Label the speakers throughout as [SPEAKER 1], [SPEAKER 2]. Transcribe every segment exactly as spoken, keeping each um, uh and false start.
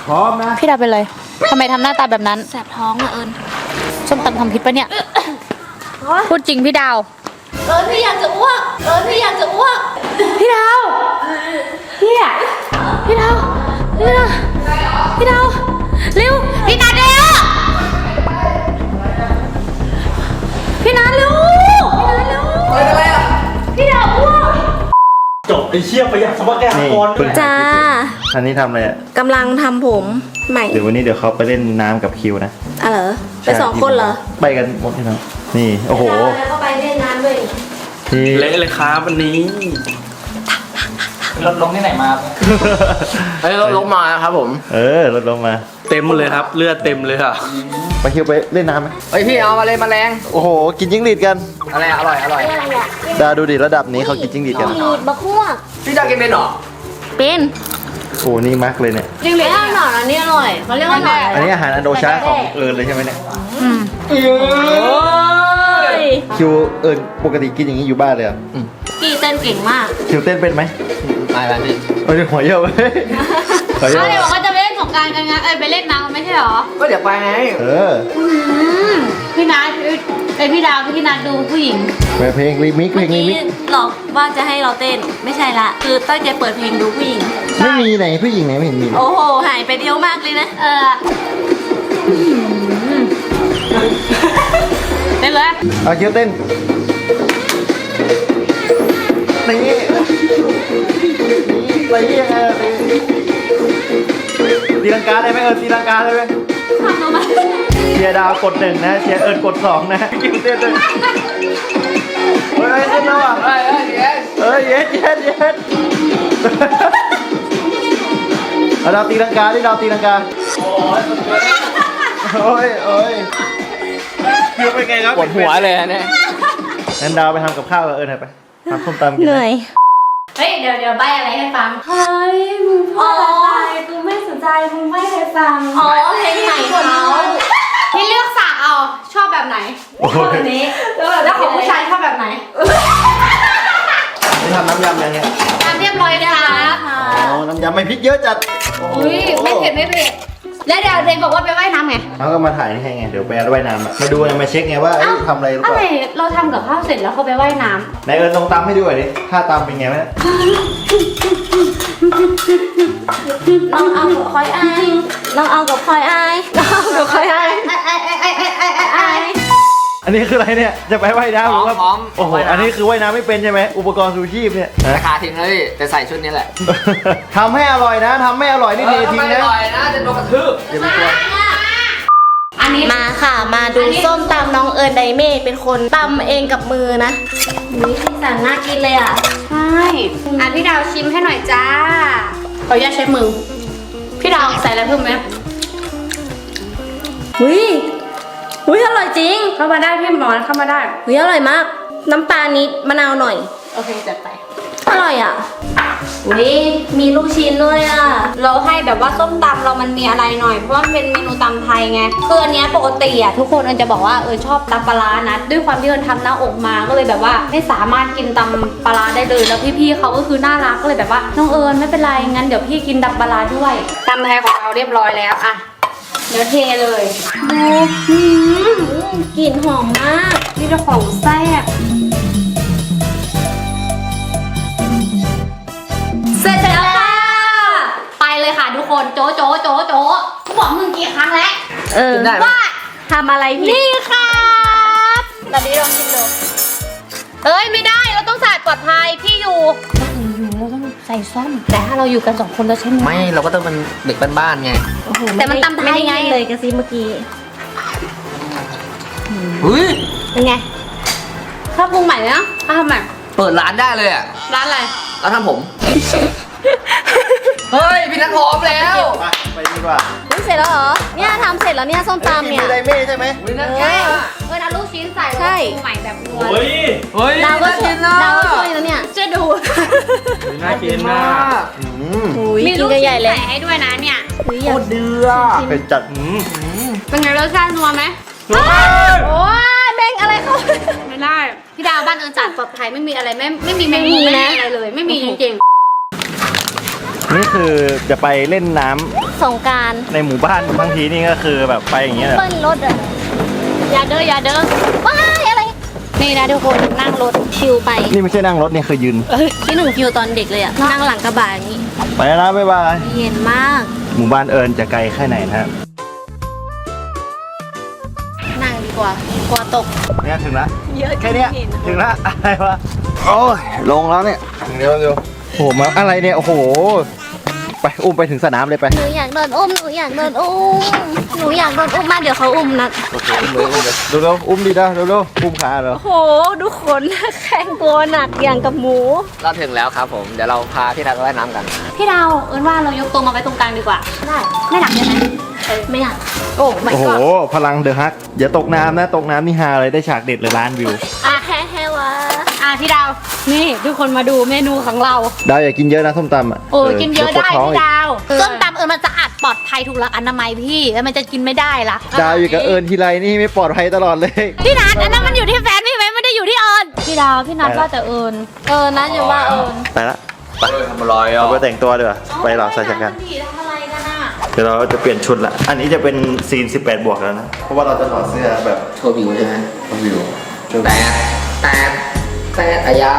[SPEAKER 1] พร้อมนะ
[SPEAKER 2] พี่ดาวเป็นไรทำไมทำหน้าตาแบบนั้น
[SPEAKER 3] แสบท้องอะเอิญ
[SPEAKER 2] ส้มตำทำพิษปะเนี่ยพูดจริงพี่ดาว
[SPEAKER 3] เอิญพี่อยากจะอ้วกเอิญพี่อยากจะอ้วก
[SPEAKER 2] พี่ดาวพี่อะพี่ดาวพี่ดาวพี่ดาวเร็วพี่นัดเร็วพี่นัดเร็วพี่นัดเร็วอะไรอะพี่ดาวอ้วก
[SPEAKER 1] จบไอ้เชี่ยประหยัดสมบัติแกกรด้วย
[SPEAKER 3] จ้า
[SPEAKER 1] อันนี้ทำอะไรอ่ะ
[SPEAKER 3] กำลังทำผมใหม่
[SPEAKER 1] เดี๋ยววันนี้เดี๋ยวเขาไปเล่นน้ำกับคิวนะ
[SPEAKER 3] อ่ะเหรอไปสองคนเหรอ
[SPEAKER 1] ไปกันหมดที่นั่นนี่โอ้โห
[SPEAKER 3] แล้วก็ไปเล่นน้ำด้วย
[SPEAKER 1] เละเลยครับวันนี้
[SPEAKER 4] รถลงที่ไหนมาเฮ้ยรถลงมาครับผม
[SPEAKER 1] เออรถลงมา
[SPEAKER 4] เต็มเลยครับเลือดเต็มเลยค่ะ
[SPEAKER 1] ไปคิวไปเล่นน้ำไหม
[SPEAKER 4] เฮ้ยพี่เอามาเลยมาแรง
[SPEAKER 1] โอ้โหกินจิ้งหรีดกัน
[SPEAKER 4] อะไรอร่อยอร่อย
[SPEAKER 1] ดาดูดิระดับนี้เขากินจิ้งหรีดกัน
[SPEAKER 3] จิ้งหรีดบะคั่ว
[SPEAKER 4] พี่ดากินเป็นหรอ
[SPEAKER 3] เป็น
[SPEAKER 1] โอ้นี่มักเลยเนี่ย
[SPEAKER 3] จิ้งหรีดหน่อยอันนี้อร่อยเขาเรียกว่าหน่อย
[SPEAKER 1] อันนี้อาหารอันโดชาของเอิญเลยใช่ไหมเนี่ย
[SPEAKER 3] อืม
[SPEAKER 1] คิวเอิญปกติกินอย่างนี้อยู่บ้านเลยอ่ะ
[SPEAKER 3] กี่เต้นเก่งมาก
[SPEAKER 1] คิวเต้นเป็นไหม
[SPEAKER 4] ไม่ไม่พี่
[SPEAKER 1] เอ้ยหัวเยอะเลย
[SPEAKER 2] เขาเลยบอกว่าจะไปเล่นสงกรานต์กันไงเอ้ยไปเล่นน้ำไม่ใช่หรอ
[SPEAKER 4] ก็เดี๋ยวไปไง
[SPEAKER 1] เออ
[SPEAKER 2] พี่นัทไอพี่ดาวพี่นัทดูผู้หญิง
[SPEAKER 1] เพลงรีมิกเพลงรีมิก
[SPEAKER 3] หลอกว่าจะให้เราเต้นไม่ใช่ละคือตั้งใจเปิดเพลงดูผู้หญิง
[SPEAKER 1] ไม่มีไหนผู้หญิงไหนไม่เห็นมี
[SPEAKER 3] โอ้โหหายไปเดียวมากเลยนะ
[SPEAKER 2] เออเต้นเลย
[SPEAKER 1] เอาคิวเต้นนี่นี่อะไรยังไงตีลังกาได้ไหมเอิญตีลังกาได้ไหม
[SPEAKER 3] ทำเอามา
[SPEAKER 1] เชียร์ดาวกดหนึ่งนะเชียร์เอิญกดสองนะคิวเต้นเลยเฮ้ยเต้นแล้วอ่ะเฮ้ยเย็ดเย็ดเย็ดเอาดาวตีลังกาดิดาวตีลังกาโอ้ยโอ้ยคิวเป็นไงครับ
[SPEAKER 4] ปวดหัวเลยเนี่ย
[SPEAKER 1] งั้นดาวไปทำกับข้าวกับเอิญหน่อยไปทำส้มตำกิน
[SPEAKER 3] เหนื่อย
[SPEAKER 2] เฮ้ยเดี๋ยวเดี๋ยวใบอะไรให้ฟัง
[SPEAKER 3] เฮ้ยมึงพูดอะไรกูไม่สนใจมึงไม่ให้ฟังอ๋อเพลงใหม่เขา
[SPEAKER 2] พี่เลือกสากเอาชอบแบบไหน
[SPEAKER 3] แบบนี้
[SPEAKER 2] แล้วของผู้ชายชอบแบบไหน
[SPEAKER 1] นี่ทำน้ำยำยังไง
[SPEAKER 2] น้ำเรียบร้อยนะคะ
[SPEAKER 1] อ๋อน้ำยำไม่พริกเยอะจัด
[SPEAKER 2] อุ้ยไม่เผ็ดไม่เผ็ดแล้วเดี๋ยวเดนบอกว่าไปว่ายน้ำไง
[SPEAKER 1] เขาก็มาถ่ายนี่ให้ไงเดี๋ยวไปว่ายน้ำมาดูมาเช็คไงว่าทำอะไรหรือเปล่า
[SPEAKER 2] อะไรเราทำกับข้าวเสร็จแล้วเขาไปว่ายน้
[SPEAKER 1] ำนายเอิญลองตำให้ดูหน่อยดิถ้าตำเป็นไงไหม
[SPEAKER 3] ลองเอากับคอยไอลองเอากับคอยไอลองเอากับคอยไอไอไอไอไอไอไอ
[SPEAKER 1] อันนี้คืออะไรเนี่ยจะไปว่ายน้ำหรือว่าโอ้โหอันนี้คือว่ายน้ำไม่เป็นใช่ไหมอุปกรณ์ชูชีพเนี่ย
[SPEAKER 4] ราคาทิ้งเลยแต่ใส่ชุดนี้แหละ
[SPEAKER 1] ทำให้อร่อยนะทำไม่อร่อยนี่เททิ้งนะ
[SPEAKER 4] อร่อยนะจะโดนกระทืบ
[SPEAKER 1] อย่าไปกลัว
[SPEAKER 3] อันนี้มาค่ะมาดูส้มตำน้องเอิญไดเม่เป็นคนตำเองกับมือนะนี่ที่สั่งน่ากินเลยอ่ะ
[SPEAKER 2] ใช่อ่ะพี่ดาวชิมให้หน่อยจ้าขออนุญาตใช้มือพี่ดาวใส่อะไรเพิ่มไหม
[SPEAKER 3] อุ้ยอุ้ยอร่อยจริง
[SPEAKER 2] เข้ามาได้พี่หมอนเข้ามาได้
[SPEAKER 3] อุ้ยอร่อยมากน้ำปลานิดมะนาวหน่อย
[SPEAKER 2] โอเคจัดไป
[SPEAKER 3] อร่อยอ่ะอุ้ยมีลูกชิ้นด้วยอ่ะ
[SPEAKER 2] เราให้แบบว่าส้มตำเรามันมีอะไรหน่อยเพราะว่ามันเป็นเมนูตำไทยไงคืออันนี้ปกติอ่ะทุกคนเอิญจะบอกว่าเออชอบตำปลานะด้วยความที่เอิญทำหน้าอกมาก็เลยแบบว่าไม่สามารถกินตำปลาได้เลยแล้วพี่ๆเขาก็คือน่ารักก็เลยแบบว่าน้องเอิญไม่เป็นไรงั้นเดี๋ยวพี่กินตำปลาด้วยตำไทยของเราเรียบร้อยแล้วอ่ะเดี๋ยวเทเลย
[SPEAKER 3] กลิ่นหอมมาก
[SPEAKER 2] นี่เจ้าของแซ่บเสร็จแล้วค่ะไปเลยค่ะทุกคนโจโจโจโจกูบอกมึงกี่ครั้งแล้ว
[SPEAKER 3] เออว่าทำอะไรพี่
[SPEAKER 2] นี่ครับแบบนี้ลองชิมดูเอ้ยไม่ได้เราต้องใส่ปลอดภัยพี่อยู่เราต้องใส่ซ่อมแต่ถ้าเราอยู่กันสองคนเราใช้มือ
[SPEAKER 4] ไม่เราก็ต้องเป็นเด็กบ้านๆไง
[SPEAKER 3] แต่มันตำไทยไงเลยกระซิบเมื่อกี้
[SPEAKER 4] เฮ้ย
[SPEAKER 3] เป็นไง
[SPEAKER 2] ถ้าปรุงใหม่นะถ้าทำใหม่
[SPEAKER 4] เปิดร้านได้เลยอ่ะ
[SPEAKER 2] ร้านอะไร
[SPEAKER 4] ร้านทำผมเฮ้ยพี่นัทพร้อมแล้ว
[SPEAKER 1] ไปดีกว่า
[SPEAKER 3] เสร็จแล้วเหรอเนี่ยทำเสร็จแล้วเนี่ยส้มตำเนี่ย
[SPEAKER 1] มีไดเม่ใช่ไหม
[SPEAKER 4] วินัทแก้ว
[SPEAKER 2] เออเอาลูกชิ้นใส่แล้วปรุงใหม่แบบนัว
[SPEAKER 1] เฮ้ย
[SPEAKER 4] เฮ้ย
[SPEAKER 3] ดาวก็ช่วยดาวก็ช่วยแล้วเนี่ย
[SPEAKER 2] ช่วยดู
[SPEAKER 4] น่ากินมาก
[SPEAKER 2] มีลูกชิ้นใส่ให้ด้วยนะเนี่ย
[SPEAKER 4] โคตรเดือด
[SPEAKER 1] เป็นจัด
[SPEAKER 2] เป็นไงรสชาตินัวไหม
[SPEAKER 3] โอ้ยแม่งอะไรเขา
[SPEAKER 2] ไม่ได้พี่ดาวบ้านเอิญจัดปลอดภัยไม่มีอะไรไม่ไม่มีแมงมุมอะไรเลยไม่มีจริง
[SPEAKER 1] นี่คือจะไปเล่นน้ำ
[SPEAKER 3] สงกรานต์
[SPEAKER 1] ในหมู่บ้านบางทีนี่ก็คือแบบไปอย่างเงี้ยแหละ
[SPEAKER 3] เบิ้ลรถอ่ะอย่าเด้ออย่าเด้อว้ายอะไรนี่นะทุกคนนั่งรถชิลไป
[SPEAKER 1] นี่ไม่ใช่นั่งรถเนี่ยคือยืน
[SPEAKER 3] ที่หนึ่งฟิวตอนเด็กเลยอ่ะนั่งหลังกระบะอย่างนี้
[SPEAKER 1] ไปแล้วนะบ๊ายบาย
[SPEAKER 3] เย็นมาก
[SPEAKER 1] หมู่บ้านเอิญจะไกลแค่ไหนนะฮะ
[SPEAKER 3] นั่งดีกว่ากลัวตก
[SPEAKER 1] เนี่ยถึงละ
[SPEAKER 3] เยอะ
[SPEAKER 1] แค่เนี้ย
[SPEAKER 3] เห็น
[SPEAKER 1] ถึงละอะไรวะโอ้ยลงแล้วเนี่ยเดี๋ยวเดี๋ยวโอ้โหมาอะไรเนี่ยโอ้โหไปอุ้มไปถึงสนามเลยไป
[SPEAKER 3] หนูอยากโดนอุ้มหนูอยากโดนอุ้มหนูอยากโดนอุ้มมากเดี๋ยวเขาอุ้มนะ
[SPEAKER 1] โอเคอุ้มเลยอุ้มเลยเร็วๆอุ้มดีนะเร็วๆอุ้มขาเหรอ
[SPEAKER 3] โอ้โหดูขนแข็งตัวหนักอย่างกับหมู
[SPEAKER 4] เราถึงแล้วครับผม เดี๋ยวเราพาพี่นัทไปว่ายน้ำกัน
[SPEAKER 2] พี่ดาวเอิญว่าเรายกตัวมาไว้ตรงกลางดีกว่า
[SPEAKER 3] ได้
[SPEAKER 2] ไม่หนักใช่ไหม
[SPEAKER 3] ไม่อยากโอ้ไม่
[SPEAKER 1] โอ้โห
[SPEAKER 3] ก็
[SPEAKER 1] พลังเดอะฮักอย่าตกน้ำนะตกน้ำนี่ฮาเลยได้ฉากเด็ดเลยล้านวิว
[SPEAKER 3] อ่ะแฮ่แฮ่วะ
[SPEAKER 2] อ่ะพี่ดาวนี่ทุกคนมาดูเมนูของเรา
[SPEAKER 1] ดาวอย่ากินเยอะนะส้มตำอ่ะ
[SPEAKER 2] โอ้ยกินเยอะได้
[SPEAKER 1] วปวท้อง
[SPEAKER 2] พี่
[SPEAKER 1] อีก
[SPEAKER 2] ดาวส้มตำเอิญมันจะอัดปลอดภัยถูกหลักอนามัยพี่แล้วมันจะกินไม่ได้ละ
[SPEAKER 1] ดาวอยู่กับเอิญทีไรนี่ไม่ปลอดภัยตลอดเลย
[SPEAKER 2] พี่นัทอันนั้นมันอยู่ที่แฟนพี่ไหมไม่ได้อยู่ที่เอิญพี่ดาวพี่นัทว่าแต่เอิญ
[SPEAKER 3] เออนะอย่าว่าเออ
[SPEAKER 1] ไปละ
[SPEAKER 4] ทำอะไรอ่ะ
[SPEAKER 1] เราไปแต่งตัวดีกว่าไปหลับใส่จักรกัน
[SPEAKER 3] ทำอะไรกันอ่ะ
[SPEAKER 1] เดี๋ยวเราจะเปลี่ยนชุดละอันนี้จะเป็นซีนสิบแปดบวกแล้วนะเพราะว่าเราจะถอดเสื้อแบบ
[SPEAKER 4] โชว์วิวใช่ไหม
[SPEAKER 1] วิว
[SPEAKER 4] แต่แต่แต่อายา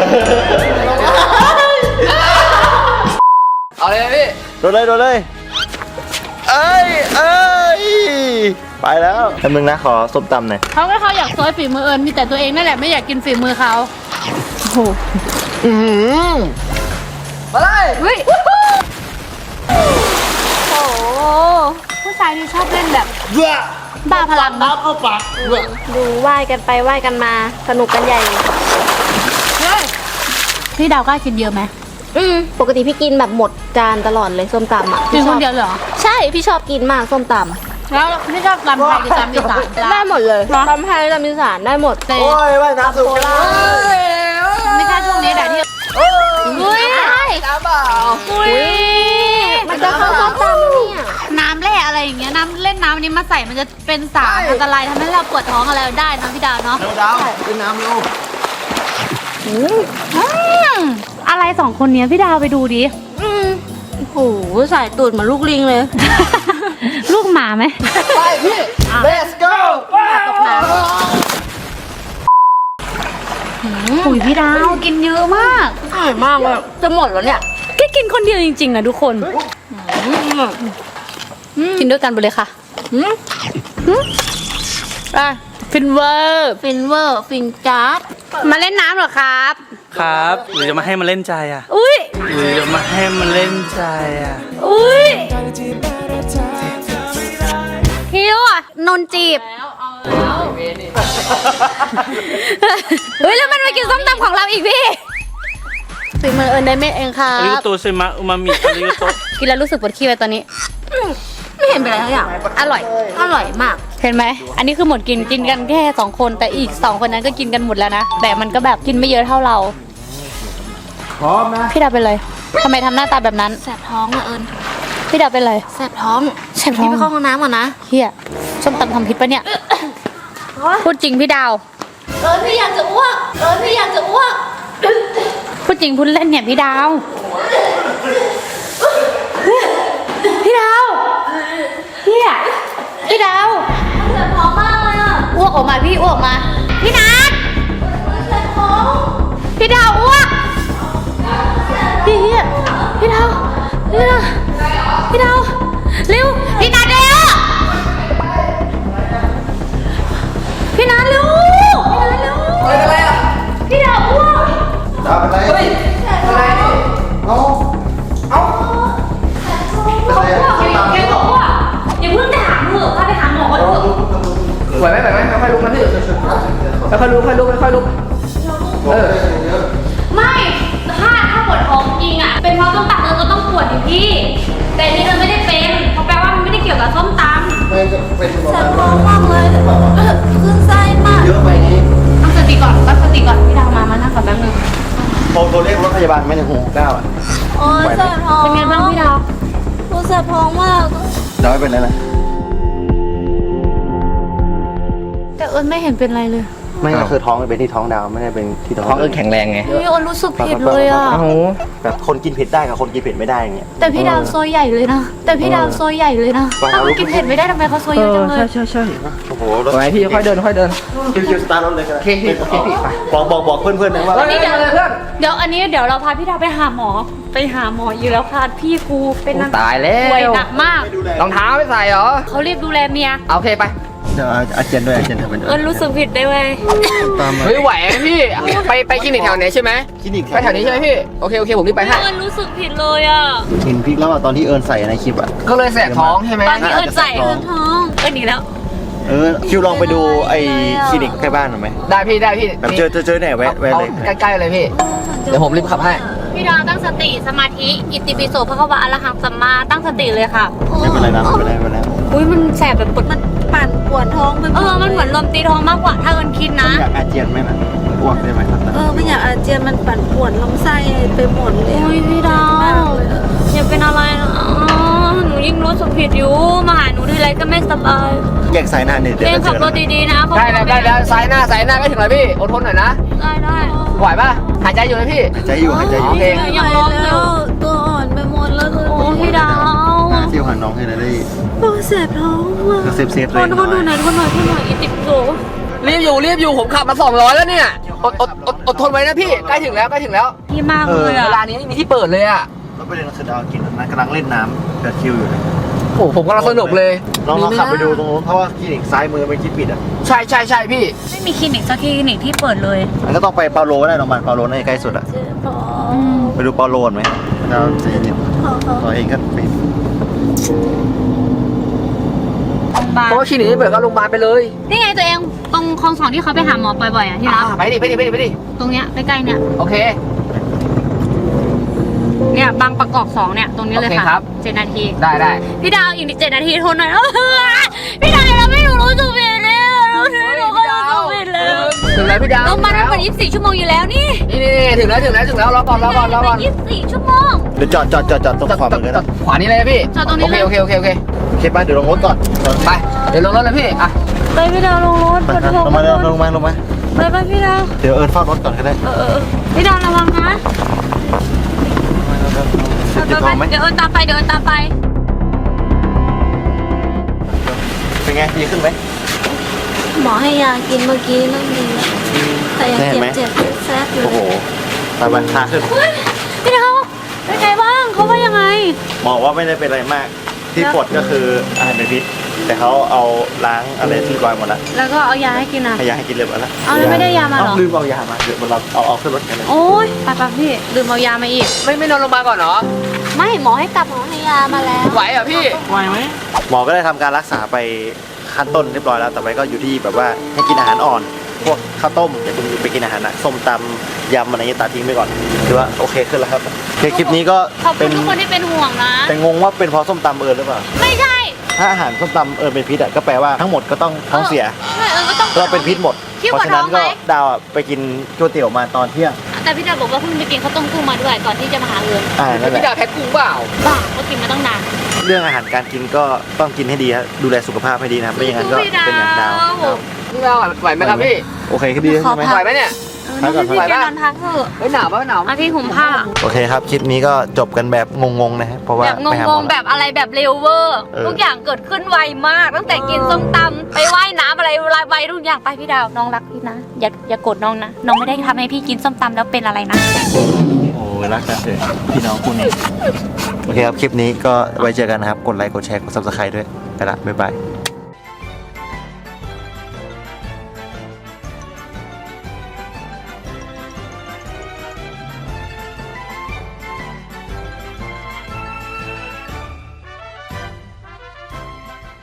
[SPEAKER 4] เอาเลยพี่
[SPEAKER 1] โดนเลยโดนเลยเอ้ยเอ้ยไปแล้วแป๊บนึงนะขอส้มตำหน่อย
[SPEAKER 2] เขาก็เขาอยากซอยฝีมือเอิญมีแต่ตัวเองนั่นแหละไม่อยากกินฝีมือเขาโอ้โห
[SPEAKER 1] อือหือ
[SPEAKER 4] มาเลย
[SPEAKER 2] เฮ้ย
[SPEAKER 3] โอ้โห
[SPEAKER 2] ผู้ชายที่ชอบเล่นแบบ
[SPEAKER 1] เว้อ
[SPEAKER 2] บ้าพลังนะ
[SPEAKER 1] เข้าปากเว้อ
[SPEAKER 3] ดูว่ายกันไปว่ายกันมาสนุกกันใหญ่
[SPEAKER 2] พี่ดาวกล้ากินเยอะไหม
[SPEAKER 3] อืมปกติพี่กินแบบหมดจานตลอดเลยส้มตำอ่ะ
[SPEAKER 2] กิน
[SPEAKER 3] พี่ช
[SPEAKER 2] ค
[SPEAKER 3] อบ
[SPEAKER 2] นเดียวเลยเหรอ
[SPEAKER 3] ใช่พี่ชอบกินมากส้มต
[SPEAKER 2] แล้วพี่ชอบตำไทยหรือตำอีสาน
[SPEAKER 3] ำได้หมดเลยตำไทยตำอีสานได้หมด
[SPEAKER 2] แต่
[SPEAKER 1] โอ้ยว่ายน้ำสุด
[SPEAKER 2] ไม่ใช่ช่วงนี้แหละที่อุ้ย
[SPEAKER 4] น้ำเปล่า
[SPEAKER 2] อุ้ย
[SPEAKER 3] มันจะเข้าส้มตำเนี่ย
[SPEAKER 2] น้ำแร่อะไรอย่างเงี้ยน้ำเล่นน้ำนี้มาใส่มันจะเป็นสารอันตรายทำให้เราปวดท้องอะไรได้นะพี่ดาวเนาะ
[SPEAKER 1] เร็วดาวขึ้นน้ำเร็ว
[SPEAKER 2] อืมอะไรสองคนเนี้ยพี่ดาวไปดูดิ
[SPEAKER 3] อืมโอ้โหใส่ตูดเหมือนลูกลิงเลย
[SPEAKER 2] ลูกหมาไหม
[SPEAKER 4] ไปพี่ let's go
[SPEAKER 3] ตกน้
[SPEAKER 2] อุ้ยพี่ดาวกินเยอะมาก
[SPEAKER 3] ำอร่อยมากเลยจะหมดแล้วเนี่ย
[SPEAKER 2] แค่กินคนเดียวจริงๆนะทุกคนกินด้วยกันไปเลยค่ะไปฟินเวอร์
[SPEAKER 3] ฟินเวอร์ฟินจัด
[SPEAKER 2] มาเล่นน้ำเหรอครับ
[SPEAKER 5] ครับหรือจะมาให้มันเล่นใจอ่ะ
[SPEAKER 2] อุ้ย
[SPEAKER 5] หรือจะมาให้มันเล่นใจอ่ะ
[SPEAKER 2] อุ้ยคิวอ่ะนนจีบเฮ้ยแล้วมันมากินส้มตำของเราอีกพี่
[SPEAKER 3] ฝีมือเอิญได้เม็ดเองครั
[SPEAKER 5] อาริ
[SPEAKER 3] บ
[SPEAKER 5] โตเซมะอุมามิอาริโต
[SPEAKER 2] กินแล้วรู้สึกปวดขี้ไปตอนนี้
[SPEAKER 3] ไม่เห็นเป็นไรทั้งอย่าง
[SPEAKER 2] อร่อย
[SPEAKER 3] อร่อยมาก
[SPEAKER 2] เห็นไหม อันนี้คือหมดกินกินกันแค่สองคนแต่อีกสองคนนั้นก็กินกันหมดแล้วนะ แต่มันก็แบบกินไม่เยอะเท่าเรา
[SPEAKER 1] พร้อมนะ
[SPEAKER 2] พี่ดาวเป็นไรทำไมทำหน้าตาแบบนั้น
[SPEAKER 3] แสบท้องอะเอิญ
[SPEAKER 2] พี่ดาวเป็นไร
[SPEAKER 3] แสบท้อง
[SPEAKER 2] แสบท้อง
[SPEAKER 3] พี่ไปเข้าห้องน้ำก่อนนะ
[SPEAKER 2] เฮียส้มตำทำพิษปะเนี่ย พูดจริงพี่ดาว
[SPEAKER 3] เอิญพี่อยากจะอ้วกเอิญพี่อยากจะอ้วก
[SPEAKER 2] พูดจริงพูดเล่นเนี่ยพี่ดาว พี่ดาวเฮียพี่ดาว
[SPEAKER 3] แสบท้องมากเลยอะ
[SPEAKER 2] อ้วกออกมาพี่อ้วกออกมา พี่นัท
[SPEAKER 3] แสบท้อง
[SPEAKER 2] พี่ดาวอ้วกพี่เฮียพี่ดาวพี่ดาวพี่ดาวเร็วพี่นัทเร็วพี่นัทเร็วพี่นัทเร็ว
[SPEAKER 4] เป็นอะไรอ่ะ
[SPEAKER 2] พี่ดาวอ้วก
[SPEAKER 1] ดาวเป็นไร
[SPEAKER 4] เฮ้ยอะไร
[SPEAKER 1] เอา
[SPEAKER 4] เอา
[SPEAKER 2] เขาอ้วกอยู่แกบอกอ้วกอย่าเพิ่งด่าเถอะพาไปหาหมอก่อนเถอะ
[SPEAKER 4] ไหวไหมไหวไหมค่อยๆลุกนะพี่ค่อยๆลุกค่อยๆลุกค่อยๆลุกเออ
[SPEAKER 2] ไม่ถ้าถ้าปวดท้องจริงอ่ะเป็นเพราะส้มตำเออก็ต้องปวดดิพี่ แต่อันนี่เออไม่ได้เป็นเพราะแปลว่ามันไม่ได้เกี่ยวกับส้มตำ
[SPEAKER 1] ไม่จะเป็น
[SPEAKER 3] แสบท้องมากเลยขึ้นไส้มาก
[SPEAKER 1] เยอะไปนี้
[SPEAKER 2] ตั้งสติก่อนตั้งสติก่อนพี่ดาวมามานั่งก่อนแป๊บนึง
[SPEAKER 1] โทรโทรเรียกรถพยาบาลไม่ในหูเก้าอ่ะ
[SPEAKER 3] โอ้ยแสบท้อง
[SPEAKER 2] เป็นไงบ้างพี่ดาว
[SPEAKER 3] โอ้ยแสบท้องมาก
[SPEAKER 1] ดาวไม่เป็นไรนะ
[SPEAKER 2] แต่เอิญไม่เห็นเป็นไรเลย
[SPEAKER 1] ไม่ก็คือท้องเป็นที่ท้องดาวไม่ได้เป็นที่ท้อง
[SPEAKER 4] ท้องเอิญแข็งแรงไง
[SPEAKER 2] เฮ้ยอ้นรู้สึกผิดเลยอ่ะ
[SPEAKER 4] โอ้โห
[SPEAKER 1] แบบคนกินเผ็ดได้กับคนกินเผ็ดไม่ได้อย่างเงี้ย
[SPEAKER 2] แต่พี่ดาวโซยใหญ่เลยนะ แต่พี่ดาวโซยใหญ่เลยนะ
[SPEAKER 1] เออ
[SPEAKER 2] ถ้าเขากินเผ็ดไม่ได้ทำไมเขาโซยเยอะจังเลย
[SPEAKER 4] ใช่ใช่
[SPEAKER 1] โอ้โห
[SPEAKER 4] ไปพี่ค่อยเดินค่อยเดิน
[SPEAKER 1] คิวๆสตาร์ทรถเลยก็ได้
[SPEAKER 4] โอเคพี่โอเคพี่ไป
[SPEAKER 1] บอกบอกบอกเพื่อนๆนะว่า
[SPEAKER 2] วันนี้เดี๋ยวเดี๋ยวอันนี้เดี๋ยวเราพาพี่ดาวไปหาหมอ ไปหาหมออยู่แล้วค่ะพี่กูเป็นนัก
[SPEAKER 4] ตายแล้
[SPEAKER 2] ป่วยว หนักมาก
[SPEAKER 4] รองเท้าไม่ใส่เหรอ
[SPEAKER 2] เขารีบดูแลเมีย
[SPEAKER 4] โอเคไป
[SPEAKER 1] เดี๋ยวอาเจนด้วยอาเจนเธอเป็น
[SPEAKER 2] เอิญรู้สึกผิดได้เว้ย
[SPEAKER 1] ตามมา
[SPEAKER 4] เฮ้ยไหวไหมพี่ไปไปคลินิกแถวไหนใช่ไหม
[SPEAKER 1] คลินิก
[SPEAKER 4] ไปแถวนี้ใช่ไหมพี่โอเคโอเคผมรีบไปให้
[SPEAKER 2] เอิญรู้สึกผิดเลยอ่ะ
[SPEAKER 1] เห็นพริกแล้วอ่ะตอนที่เอิญใส่ในคลิปอ่ะ
[SPEAKER 4] ก็เลยแสบท้องใช่ไหม
[SPEAKER 2] ตอนที่เอิญใส่เอิญท้องเอิญหนีแล้ว
[SPEAKER 1] เออคิวลองไปดูไอ้คลินิกใกล้บ้านหน่อยไหม
[SPEAKER 4] ได้พี่ได้พี่
[SPEAKER 1] แบบเจอเจอเจอไหนแวะแวะ
[SPEAKER 4] เอา
[SPEAKER 1] เลย
[SPEAKER 4] ใกล้ๆเลยพี่เดี๋ยวผมรีบขับให้
[SPEAKER 2] พี่ดาวตั้งสติสมาธิอิติปิโสพระควะอรหังสัมมาตั้งสติเลยค่ะ
[SPEAKER 1] ไม่เป็นไรนะไม่เป็นไรไม่เป็นไร
[SPEAKER 2] อุ้ยมันแสบแบบปวดมัน
[SPEAKER 3] ปั่นปวดท้องไปหม
[SPEAKER 2] เอ
[SPEAKER 3] ด
[SPEAKER 2] อมันเหมือนลมตีท้องมากกว่าถ้าเอิญคิดนะ
[SPEAKER 1] อยากอาเจียนไหมนะอ้วกได้ไหมครับ
[SPEAKER 3] เออไม่อยากอาเจียนมันปั่นปวดลำไส้ไปหมดเลย
[SPEAKER 2] อุ้ยพี่ดาวอย่าเป็นอะไรนะหนูยิ่งรู้สึกผิดอยู่มาหาหนูทีไรก็ไม่สบาย
[SPEAKER 1] แยกสายหน้าเนี่ยเดี๋ยว
[SPEAKER 2] เรียน
[SPEAKER 1] จะเจ
[SPEAKER 2] ขับ
[SPEAKER 1] อ
[SPEAKER 2] รถดีๆนะเขา
[SPEAKER 4] ได้แล้วได้แล้วซ้ายหน้าซ้ายหน้าก็ถึงแล้วพี่อดทนหน่อยนะ
[SPEAKER 2] ได้ได้
[SPEAKER 4] ไหวป่ะหายใจอยู่ไหมพี่
[SPEAKER 1] หายใจอยู่หายใจอยู่
[SPEAKER 4] โอเค
[SPEAKER 2] ยังร้องอ
[SPEAKER 3] แล้
[SPEAKER 2] ยู่
[SPEAKER 3] วตัวอ่อนไปหมดแล้ว
[SPEAKER 2] โอ้พี่ดาว
[SPEAKER 1] เที่ยวหาน้องให้ได้
[SPEAKER 3] โอ้เสียบท้องว่ะ
[SPEAKER 1] เซฟเซฟ
[SPEAKER 2] ค
[SPEAKER 1] เลย
[SPEAKER 2] นคนดูหน่อยคนหน่อยคนหน่อยอิติปิโส
[SPEAKER 4] รีบอยู่รีบอยู่ผมขับมาสองร้อยแล้วเนี่ยอดอดอดอดทนไว้นะพี่ใกล้ถึงแล้วใกล้ถึงแล้ว
[SPEAKER 2] พี่มากเลย
[SPEAKER 4] เว
[SPEAKER 2] อ่ะ
[SPEAKER 4] ลานี้ไม่มีที่เปิดเลยอ่ะ
[SPEAKER 1] แล้วประเด็นคือดาวกินนะกำลังเล่นน้ำกับคิวอยู่
[SPEAKER 4] โอ้โหผมกำลังสนุกเลย
[SPEAKER 1] ลองลอง
[SPEAKER 4] มีหม
[SPEAKER 1] ขับไปดูตร
[SPEAKER 4] นะ
[SPEAKER 1] งนู้นเพราะว่าคลินิกซ้ายมือเป็นคลิปปิดอ่ะ
[SPEAKER 4] ใช่ใช่ใช่พี่
[SPEAKER 2] ไม่มีคลินิกสักคลินิกที่เปิดเลย
[SPEAKER 1] มันก็ต้องไปเปาโลก็ได้โรงพยาบาลเปาโลน่าจะใกล้สุดอ่ะ
[SPEAKER 3] เจ็บท้อง
[SPEAKER 1] ไปดูเปาโลก่อนไหมเราใจเย็นตัวเองก็ไป
[SPEAKER 4] เพราะว่าคลินิกไม่เปิดก็โรงพยาบาลไปเลย
[SPEAKER 2] นี่ไงตัวเองตรงคลองสองที่เขาไปหาหมอบ่อยๆอ่ะที่รัก
[SPEAKER 4] อ่าไปดิไปดิไปดิไปดิ
[SPEAKER 2] ตรงเนี้ยใกล้ๆเนี่ย
[SPEAKER 4] โอเค
[SPEAKER 2] เนี่ยบางประกอบสองเนี่ยตรงนี้เลย
[SPEAKER 4] โอเคครั
[SPEAKER 2] ค่ะ
[SPEAKER 4] บ
[SPEAKER 2] เจ็ดนาที
[SPEAKER 4] ได้ได้
[SPEAKER 2] พี่ดาวอีกเจ็ดนาทีทนหน่อย พี่ดาวเราไม่รู้สึกผิดเลยรู้สึกหนูก็รู้สึกผิดเลย
[SPEAKER 4] ถึงแล้วพี่ดาว
[SPEAKER 2] ลงมาทั้งหมดยี่สิบสี่ชั่วโมงอยู่แล้วนี่
[SPEAKER 4] นี่นี่นี่ถึงแล้วถึงแล้วถึงแล้วรอก่อนรอก่อนรอก่อน
[SPEAKER 2] ยี่สิบสี่ชั่วโมง
[SPEAKER 1] เดี๋ยวจอดจอดจอดจอดตรงขวามือเลยนะ
[SPEAKER 4] ขวานี้เลยนะพี่
[SPEAKER 2] จอดตรงนี้เลย
[SPEAKER 4] โอเคโอเคโอเคโอเค
[SPEAKER 1] โอเคป่ะเดี๋ยวลงรถก่อน
[SPEAKER 4] ไปเดี๋ยวลงรถเลยพี่อ่ะ
[SPEAKER 2] ไปพี่ดาวลงรถ
[SPEAKER 1] ไป
[SPEAKER 2] ปวด
[SPEAKER 1] ครับ
[SPEAKER 2] ท้อง
[SPEAKER 1] ลงมาลงมาลงมาลงมา
[SPEAKER 2] ไปไปพี่ดาว
[SPEAKER 1] เดี๋ยวเอิญเฝ้ารถก่อนก็ได้
[SPEAKER 2] เออเออพี่ดาวระวังนะ
[SPEAKER 1] เจ็บ
[SPEAKER 2] ไป
[SPEAKER 1] ท้องไหม
[SPEAKER 2] เดี๋ยวเอินตามไปเดี๋ยวเอินตามไป
[SPEAKER 1] เป็นไงดีขึ้นไหม
[SPEAKER 3] หมอให้ยากินเมื่อกี้นั่งดีแล้วแต่ยัง
[SPEAKER 1] ได้ไหม
[SPEAKER 3] เจ็บเจ็บแซ่บอยู่
[SPEAKER 1] โอ้โหตาบันทาขึ้น
[SPEAKER 2] พี่ดาวเป็นไงบ้างเขาว่ายังไง
[SPEAKER 1] หมอว่าไม่ได้เป็นอะไรมาก ที่ปวดก็คืออาหารเป็นพิษ แต่เขาเอาล้างอะไรที่รอยหมดแล้ว
[SPEAKER 2] แล้วก็เอายาให้กินอ่ะ
[SPEAKER 1] ให้ยาให้กินเรียบร้อยแล้ว
[SPEAKER 2] เอาแล้วไม่ได้ยามาเหรอ
[SPEAKER 1] เลืมเอายามาเดี๋ยวเราเอาเอาขึ้นรถกันเลย
[SPEAKER 2] โอ้ยไปไปพี่ลืมเอายามาอีก
[SPEAKER 4] ไม่ไม่นอนโรงพยาบาลก่อนเหรอ
[SPEAKER 2] ไม่หมอให้กลับ
[SPEAKER 3] หมอให้ยามาแล้ว
[SPEAKER 4] ไหวเหรอพี่
[SPEAKER 5] ไหวไหม
[SPEAKER 1] หมอก็ได้ทำการรักษาไปขั้นต้นเรียบร้อยแล้วต่อไปก็อยู่ที่แบบว่าให้กินอาหารอ่อน พวกข้าวต้มอย่าเพิ่งไปกินอาหารหนักส้มตำยำอะไรเงี้ยตัดทิ้งไปก่อนถือว่าโอเคขึ้นแล้วครับโอเคคลิปนี้ก็
[SPEAKER 2] ขอบคุ
[SPEAKER 1] เป็
[SPEAKER 2] ณ
[SPEAKER 1] น
[SPEAKER 2] ทุกคนที่เป็นห่วงนะ
[SPEAKER 1] แต่งงว่าเป็นเพราะส้มตำเอิญหรือเปล่า
[SPEAKER 2] ไม่ใช่
[SPEAKER 1] ถ้าอาหารส้มตำเอิญเป็นพิษอะก็แปลว่าทั้งหมดก็ต้องท้องเสีย
[SPEAKER 2] ใช่เออก็ต้อง
[SPEAKER 1] เราเป็นพิษหมด
[SPEAKER 2] พี่
[SPEAKER 1] เพราะ
[SPEAKER 2] ปวด
[SPEAKER 1] ฉะ
[SPEAKER 2] ท้
[SPEAKER 1] นั้
[SPEAKER 2] อน งไห
[SPEAKER 1] ก็
[SPEAKER 2] ม
[SPEAKER 1] ดาวอะไปกินก๋วยเตี๋ยวมาตอนเที่ยง
[SPEAKER 2] แต่พี่ดาวบอกว่าเพิ่งไปกินข้าวต้มกุ้งมาด้วยก่อนที่จะมาหาเอิญ
[SPEAKER 1] อ่านั่นแห
[SPEAKER 4] พี่
[SPEAKER 1] ละ
[SPEAKER 4] ดาวแพ็คกุ้งเปล่า
[SPEAKER 2] บ้าก็กินมาตั้งนาน
[SPEAKER 1] เรื่องอาหารการกินก็ต้องกินให้ดีครับดูแลสุขภาพให้ดีนะครับไม่อย่างนั้นก็เป็นอย่างดาวครับ
[SPEAKER 4] พี่ดาวไหวไหมครับพี่
[SPEAKER 1] โอเคก็ดีใช่ไหม
[SPEAKER 4] ไหวไหมเนี่ย
[SPEAKER 1] พักก่อน
[SPEAKER 2] พี่
[SPEAKER 1] พัก
[SPEAKER 2] แก
[SPEAKER 1] ก่อน
[SPEAKER 2] นอนพักเถอะ
[SPEAKER 4] เฮ้ยหนาวปะหนาว
[SPEAKER 2] มาพี่ห่มผ้า
[SPEAKER 1] โอเคครับคลิปนี้ก็จบกันแบบงงๆนะฮะเพราะว่า
[SPEAKER 2] แบบ
[SPEAKER 1] ไปหาห
[SPEAKER 2] ง
[SPEAKER 1] มอง
[SPEAKER 2] ๆแบบอะไรแบบเร็วเวอร์
[SPEAKER 1] เออ
[SPEAKER 2] ทุกอย่างเกิดขึ้นไวมาก ตั้งแต่กินส้มตำไปว่ายน้ำอะไรไวทุกอย่างไปพี่ดาวน้องรักพี่นะอย่าอย่าโกรธน้องนะน้องไม่ได้ทำให้พี่กินส้มตำแล้วเป็นอะไรนะ
[SPEAKER 1] โอ้ยรักกันเลยพี่น้องคู่นี้โอเคครับคลิปนี้ก็ไว้เจอกันนะครับกดไลค์กดแชร์กด ซับสไครบ์ ด้วยไปละบ๊ายบาย